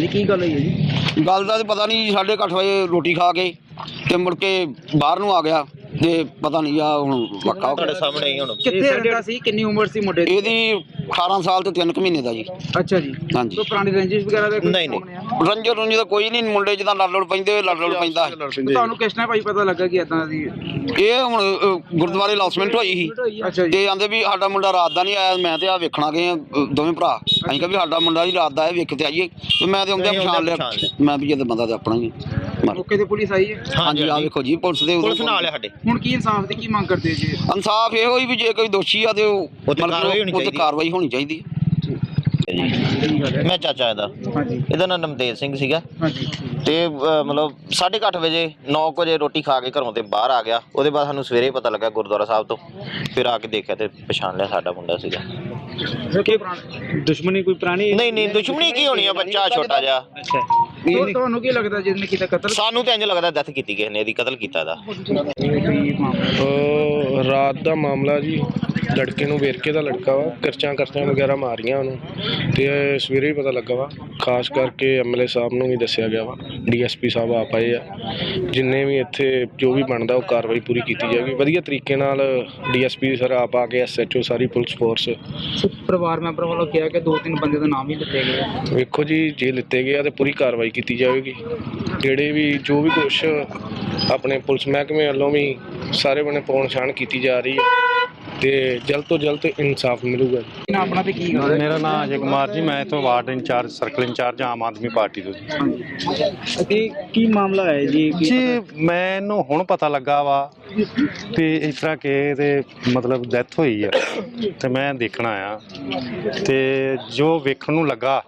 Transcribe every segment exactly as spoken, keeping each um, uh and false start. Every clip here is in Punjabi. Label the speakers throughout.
Speaker 1: ਕੀ ਗੱਲ ਹੋਈ ਹੈ ਜੀ?
Speaker 2: ਗੱਲ ਦਾ ਤਾਂ ਪਤਾ ਨਹੀਂ ਜੀ, ਸਾਢੇ ਕੁ ਅੱਠ ਵਜੇ ਰੋਟੀ ਖਾ ਕੇ ਤੇ ਮੁੜ ਕੇ ਬਾਹਰ ਨੂੰ ਆ ਗਿਆ ਤੇ ਪਤਾ ਨਹੀਂ ਆ ਹੁਣ ਪੱਕਾ
Speaker 3: ਤੁਹਾਡੇ ਸਾਹਮਣੇ ਹੀ ਹੁਣ
Speaker 1: ਕਿੱਥੇ ਰਹਿੰਦਾ ਸੀ? ਕਿੰਨੀ ਉਮਰ ਸੀ ਮੁੰਡੇ ਦੀ?
Speaker 2: ਇਹਦੀ ਅਠਾਰਾਂ ਸਾਲ ਤੇ ਤਿੰਨ ਕੁ ਮਹੀਨੇ ਦਾ ਜੀ।
Speaker 1: ਅੱਛਾ ਜੀ।
Speaker 2: ਹਾਂਜੀ।
Speaker 1: ਕੋਈ ਪੁਰਾਣੀ ਰੰਜਿਸ਼ ਵਗੈਰਾ ਦਾ ਕੋਈ
Speaker 3: ਨਹੀਂ, ਨਹੀਂ।
Speaker 1: ਸਾਹਮਣੇ ਆ?
Speaker 2: ਰੰਜੋ ਰੰਜੋ ਤਾਂ ਕੋਈ ਨਹੀਂ, ਮੁੰਡੇ ਜਿੱਦਾਂ ਲੜ ਲੜ ਪੈਂਦੇ ਲੜ ਲੜ ਪੈਂਦਾ।
Speaker 1: ਤੁਹਾਨੂੰ ਕਿਸ ਨੇ ਭਾਈ ਪਤਾ ਲੱਗਾ ਕਿ ਇਦਾਂ ਦੀ?
Speaker 2: ਇਹ ਹੁਣ ਅ, ਗੁਰਦੁਆਰੇ ਅਨਾਉਂਸਮੈਂਟ ਹੋਈ ਸੀ
Speaker 1: ਅੱਛਾ ਜੀ।
Speaker 2: ਤੇ ਆਂਦੇ ਵੀ ਸਾਡਾ ਮੁੰਡਾ ਰਾਤ ਦਾ ਨਹੀਂ ਆਇਆ। ਮੈਂ ਤੇ ਆ ਵੇਖਣਾ ਗਏ ਆ ਅ, ਦੋਵੇਂ ਭਰਾ। ਅਸੀਂ ਕਿਹਾ ਵੀ ਸਾਡਾ ਮੁੰਡਾ ਜੀ ਰਾਤ ਦਾ ਆਇਆ, ਵੇਖ ਕੇ ਆਈਏ। ਤੇ ਮੈਂ ਤੇ ਆਉਂਦਿਆਂ ਪਛਾਣ ਲਿਆ, ਮੈਂ ਵੀ ਜਦ ਬੰਦਾ ਤੇ ਆਪਣਾ ਹੀ ਆ।
Speaker 1: ਮੌਕੇ ਤੇ ਪੁਲਿਸ ਆਈ ਹੈ?
Speaker 2: ਹਾਂਜੀ ਆ ਵੇਖੋ ਜੀ, ਪੁਲਿਸ ਦੇ
Speaker 3: ਪੁਲਿਸ ਨਾਲ ਹੈ ਸਾਡੇ।
Speaker 1: ਹੁਣ ਕੀ ਇਨਸਾਫ ਦੀ ਕੀ ਮੰਗ ਕਰਦੇ ਜੀ?
Speaker 2: ਇਨਸਾਫ ਇਹੋ ਹੀ ਵੀ ਜੇ ਕੋਈ ਦੋਸ਼ੀ ਆ ਤੇ ਉਹ
Speaker 3: ਉੱਤੇ ਕਾਰਵਾਈ ਹੋਣੀ
Speaker 2: ਉੱਤੇ
Speaker 3: ਚਾਹੀਦੀ।
Speaker 2: ਕਾਰਵਾਈ ਹੋਣੀ ਚਾਹੀਦੀ।
Speaker 3: ਮੈਂ ਚਾਚਾ ਇਹਦਾ,
Speaker 1: ਹਾਂਜੀ
Speaker 3: ਇਹਦਾ ਨਾਮ ਨਮਤੇਜ ਸਿੰਘ ਸੀਗਾ
Speaker 1: ਹਾਂਜੀ।
Speaker 3: ਤੇ ਅ, ਮਤਲਬ ਸਾਢੇ ਕੁ ਅੱਠ ਵਜੇ ਨੌ ਕੁ ਵਜੇ ਰੋਟੀ ਖਾ ਕੇ ਘਰੋਂ ਤੇ ਬਾਹਰ ਆ ਗਿਆ। ਉਹਦੇ ਬਾਅਦ ਸਾਨੂੰ ਸਵੇਰੇ ਪਤਾ ਲੱਗਾ ਗੁਰਦੁਆਰਾ ਸਾਹਿਬ ਤੋਂ, ਫਿਰ ਆ ਕੇ ਦੇਖਿਆ ਤੇ ਪਛਾਣ ਲਿਆ ਸਾਡਾ ਮੁੰਡਾ ਸੀਗਾ।
Speaker 1: ਦੁਸ਼ਮਣੀ ਕੋਈ ਪੁਰਾਣੀ?
Speaker 3: ਨਹੀਂ ਨਹੀਂ, ਦੁਸ਼ਮਣੀ ਕੀ ਹੋਣੀ ਆ, ਬੱਚਾ ਛੋਟਾ ਜਿਹਾ।
Speaker 1: ਤੁਹਾ- ਤੁਹਾਨੂੰ ਕੀ ਲੱਗਦਾ ਜਿਹਨੇ ਕੀਤਾ ਕਤਲ?
Speaker 3: ਸਾਨੂੰ ਤੇ ਇੰਜ ਲੱਗਦਾ ਡੈਥ ਕੀਤੀ ਕਿਸੇ ਨੇ, ਇਹਦੀ ਕਤਲ ਕੀਤਾ ਦਾ।
Speaker 4: ਉਹ ਰਾਤ ਦਾ ਮਾਮਲਾ ਜੀ, ਲੜਕੇ ਨੂੰ ਵੇਰਕੇ ਦਾ ਲੜਕਾ ਵਾ, ਕਰਚਾਂ ਕਰਚਾਂ ਵਗੈਰਾ ਮਾਰੀਆਂ ਉਹਨੂੰ ਤੇ ਸਵੇਰੇ ਹੀ ਪਤਾ ਲੱਗਾ ਵਾ। ਖਾਸ ਕਰਕੇ ਐਮਐਲਏ ਸਾਹਿਬ ਨੂੰ ਵੀ ਦੱਸਿਆ ਗਿਆ ਵਾ, ਡੀਐਸਪੀ ਸਾਹਿਬ ਆਪ ਆਏ ਆ। ਜਿੰਨੇ ਵੀ ਇੱਥੇ ਜੋ ਵੀ ਬਣਦਾ ਉਹ ਕਾਰਵਾਈ ਪੂਰੀ ਕੀਤੀ ਜਾਏਗੀ ਵਧੀਆ ਤਰੀਕੇ ਨਾਲ। ਡੀਐਸਪੀ ਸਰ ਆਪ ਆ ਕੇ, ਐਸਐਚਓ ਸਾਰੀ ਪੁਲਿਸ ਫੋਰਸ।
Speaker 1: ਪਰਿਵਾਰ ਮੈਂਬਰ ਵੱਲੋਂ ਕਿਹਾ ਕਿ ਦੋ ਤਿੰਨ ਬੰਦੇ ਦਾ ਨਾਮ ਹੀ ਲਿੱਤੇ ਗਏ।
Speaker 4: ਵੇਖੋ ਜੀ, ਜੇ ਲਿੱਤੇ ਗਏ ਆ ਤੇ ਪੂਰੀ ਕਾਰਵਾਈ ਕੀਤੀ ਜਾਵੇਗੀ। ਜਿਹੜੇ ਵੀ ਜੋ ਵੀ ਕੁਛ ਆਪਣੇ ਪੁਲਿਸ ਮਹਿਕਮੇ ਵੱਲੋਂ ਵੀ ਸਾਰੇ ਬਣੇ ਪਹੁੰਚ ਛਾਣ ਕੀਤੀ ਜਾ ਰਹੀ ਹੈ ਤੇ ਜਲਦ ਤੋਂ ਜਲਦ ਇਨਸਾਫ ਮਿਲੂਗਾ ਜੀ।
Speaker 1: ਆਪਣਾ ਤੇ ਕੀ ਗੱਲ?
Speaker 5: ਮੇਰਾ ਨਾਮ ਅਜੇ ਕੁਮਾਰ ਜੀ, ਮੈਂ ਇੱਥੋਂ ward incharge, circle incharge Aam Aadmi party ਤੋਂ ਜੀ।
Speaker 1: ਤੇ ਕੀ ਮਾਮਲਾ ਹੈ ਜੀ?
Speaker 5: ਜੀ ਮੈਨੂੰ ਹੁਣ ਪਤਾ ਲੱਗਾ ਵਾ ਤੇ ਇਸ ਤਰ੍ਹਾਂ ਕਿ ਤੇ ਮਤਲਬ ਡੈਥ ਹੋਈ ਆ ਤੇ ਮੈਂ ਦੇਖਣ ਆਇਆ ਤੇ ਜੋ ਵੇਖਣ ਨੂੰ ਲੱਗਾ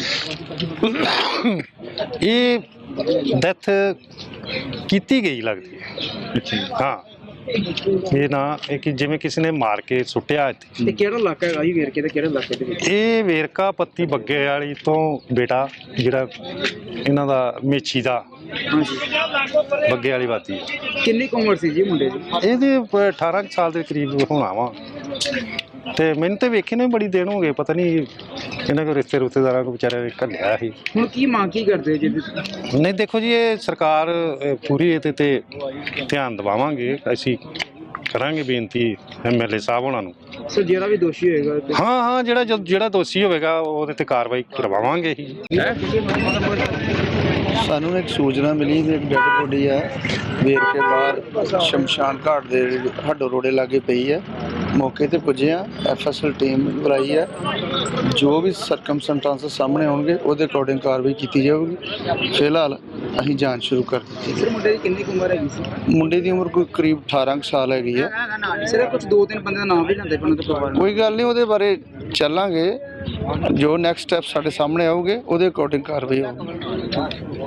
Speaker 5: ਇਹ ਡੈਥ ਕੀਤੀ ਗਈ ਲੱਗਦੀ ਹੈ। ਹਾਂ, ਇਹ ਨਾ ਇਹ ਕਿ ਜਿਵੇਂ ਕਿਸੇ ਨੇ ਮਾਰ ਕੇ ਸੁੱਟਿਆ ਇੱਥੇ।
Speaker 1: ਤੇ ਕਿਹੜਾ ਇਲਾਕਾ ਹੈਗਾ ਜੀ ਵੇਰਕੇ ਦਾ? ਕਿਹੜੇ ਇਲਾਕੇ ਦੇ ਵਿੱਚ?
Speaker 5: ਇਹ ਵੇਰਕਾ ਪੱਤੀ ਬੱਗੇ ਵਾਲੀ ਤੋਂ ਬੇਟਾ ਜਿਹੜਾ ਇਹਨਾਂ ਦਾ ਮੇਛੀ ਦਾ
Speaker 1: ਹਾਂਜੀ।
Speaker 5: ਬੱਗੇ ਵਾਲੀ ਬਾਤੀ ਹੈ।
Speaker 1: ਕਿੰਨੀ ਕੁ ਉਮਰ ਸੀ ਜੀ ਮੁੰਡੇ ਦੀ?
Speaker 5: ਇਹਦੇ ਪ- ਅਠਾਰਾਂ ਕੁ ਸਾਲ ਦੇ ਕਰੀਬ ਹੋਣਾ ਵਾ ਤੇ ਮੈਨੂੰ ਤੇ ਵੇਖੇ ਨੇ ਬੜੀ ਦਿਨ ਹੋ ਗਏ। ਪਤਾ ਨਹੀਂ ਇਹਨਾਂ ਕੋ ਰਿਸ਼ਤੇ ਰੁਸ਼ਤੇਦਾਰਾਂ ਕੋ ਵਿਚਾਰੇ ਨੇ ਘੱਲਿਆ ਸੀ।
Speaker 1: ਹੁਣ ਕੀ ਮੰਗ ਕੀ ਕਰਦੇ ਜੀ?
Speaker 5: ਨਹੀਂ ਦੇਖੋ ਜੀ, ਇਹ ਸਰਕਾਰ ਅ, ਪੂਰੀ ਇਹਦੇ ਤੇ ਧਿਆਨ ਦਿਵਾਵਾਂਗੇ। ਅਸੀਂ ਕਰਾਂਗੇ ਬੇਨਤੀ ਐਮਐਲਏ ਸਾਹਿਬ ਉਹਨਾਂ ਨੂੰ।
Speaker 1: ਸਰ ਜਿਹੜਾ ਵੀ ਦੋਸ਼ੀ ਹੋਏਗਾ ਤੇ
Speaker 5: ਹਾਂ ਹਾਂ, ਜਿਹੜਾ ਜਦ- ਜਿਹੜਾ ਦੋਸ਼ੀ ਹੋਵੇਗਾ ਉਹਦੇ ਤੇ ਕਾਰਵਾਈ ਕਰਵਾਵਾਂਗੇ ਹੀ।
Speaker 6: ਸਾਨੂੰ ਇੱਕ ਸੂਚਨਾ ਮਿਲੀ ਕਿ ਇੱਕ ਡੈਡ ਬੋਡੀ ਆ ਵੇਰਕੇ ਬਾਹਰ ਸ਼ਮਸ਼ਾਨ ਘਾਟ ਦੇ ਹੱਡੋ ਰੋੜੇ ਲਾਗੇ ਪਈ ਹੈ। ਮੌਕੇ ਤੇ ਪੁੱਜੇ ਆ, ਐਫਐਸਐਲ ਟੀਮ ਬੁਲਾਈ ਹੈ। ਜੋ ਵੀ ਸਰਕਮਸਟੈਂਸਸ ਸਾਹਮਣੇ ਆਉਣਗੇ ਉਹਦੇ ਅਕੋਰਡਿੰਗ ਕਾਰਵਾਈ ਕੀਤੀ ਜਾਊਗੀ। ਫਿਲਹਾਲ ਅਸੀਂ ਜਾਂਚ ਸ਼ੁਰੂ ਕਰ ਦਿੱਤੀ
Speaker 1: ਸਰ ਮੁੰਡੇ ਦੀ ਕਿੰਨੀ ਕੁ ਉਮਰ ਹੈਗੀ ਸੀ?
Speaker 6: ਮੁੰਡੇ ਦੀ ਉਮਰ ਕੋਈ ਕਰੀਬ ਅਠਾਰਾਂ ਕੁ ਸਾਲ ਹੈਗੀ ਹੈ।
Speaker 1: ਸਿਰਫ ਕੁਝ ਦੋ ਤਿੰਨ ਬੰਦੇ ਦਾ ਨਾਮ ਵੀ ਲੈਂਦੇ ਪਏ ਤੇ ਪਰਿਵਾਰ ਨੂੰ।
Speaker 6: ਕੋਈ ਗੱਲ ਨਹੀਂ, ਉਹਦੇ ਬਾਰੇ ਚੱਲਾਂਗੇ। ਜੋ ਨੈਕਸਟ ਸਟੈਪ ਸਾਡੇ ਸਾਹਮਣੇ ਆਉਗੇ ਉਹਦੇ ਅਕੋਰਡਿੰਗ ਕਾਰਵਾਈ ਹੋਊਗੀ।